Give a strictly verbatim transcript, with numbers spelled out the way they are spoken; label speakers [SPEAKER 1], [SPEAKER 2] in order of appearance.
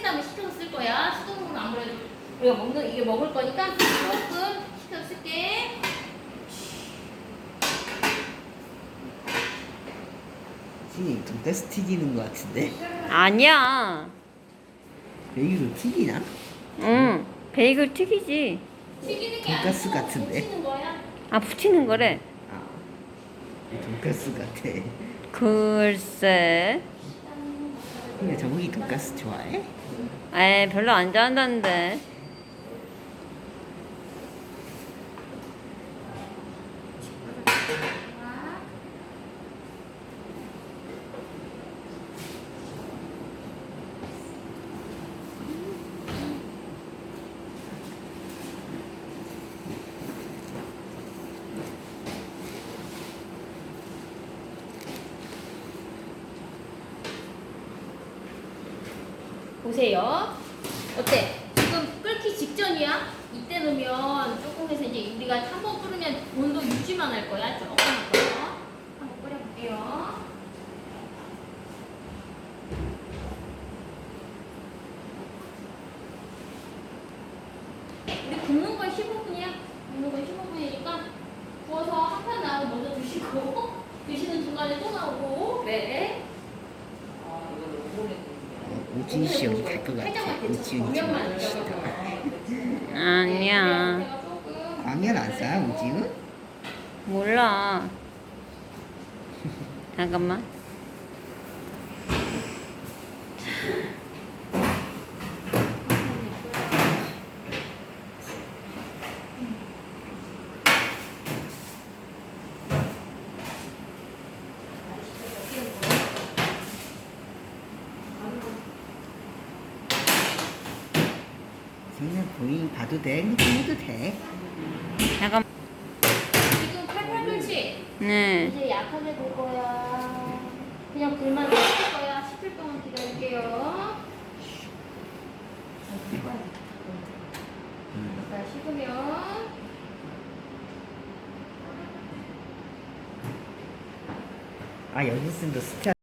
[SPEAKER 1] 다음에 식혀서 쓸 거야. 수돗물은 아무래도 우리가 먹는 이게 먹을 거니까 조금 식혀서 쓸게.
[SPEAKER 2] 선생님 돈가스 튀기는 거 같은데?
[SPEAKER 3] 아니야.
[SPEAKER 2] 베이글 튀기나?
[SPEAKER 3] 응. 베이글 튀기지.
[SPEAKER 1] 튀기는 게
[SPEAKER 2] 돈가스
[SPEAKER 1] 아니고
[SPEAKER 2] 같은데?
[SPEAKER 1] 붙이는 거야.
[SPEAKER 3] 아, 붙이는 거래.
[SPEAKER 2] 아 돈가스 같아.
[SPEAKER 3] 글쎄.
[SPEAKER 2] 근데 정욱이 돈가스 좋아해?
[SPEAKER 3] 에 별로 안 좋아한다는데.
[SPEAKER 1] 보세요. 어때? 지금 끓기 직전이야? 이때 넣으면 조금 해서 이제 우리가 한 번 끓으면 온도 유지만 할 거야. 조금 할 거야. 한번 끓여볼게요. 우리 굽는 건 십오 분이야. 굽는 건 십오 분이니까 구워서 한 판 나오고 먼저 드시고 드시는 중간에 또 나오고 네.
[SPEAKER 2] 오지윤 씨 여기 갈 것 같아. 오지윤이 좀 멋있다.
[SPEAKER 3] 아니야.
[SPEAKER 2] 라면 안 싸? 오지윤?
[SPEAKER 3] 몰라. 잠깐만.
[SPEAKER 2] 그냥 보인 봐도 돼? 해도 돼?
[SPEAKER 3] 잠깐.
[SPEAKER 1] 지금 팔팔 돌지?
[SPEAKER 3] 네.
[SPEAKER 1] 이제 약하게 볼 거야. 그냥 불만 熄을 거야. 식힐 동안 기다릴게요. 자, 식으면
[SPEAKER 2] 아 여기 쓴도 스타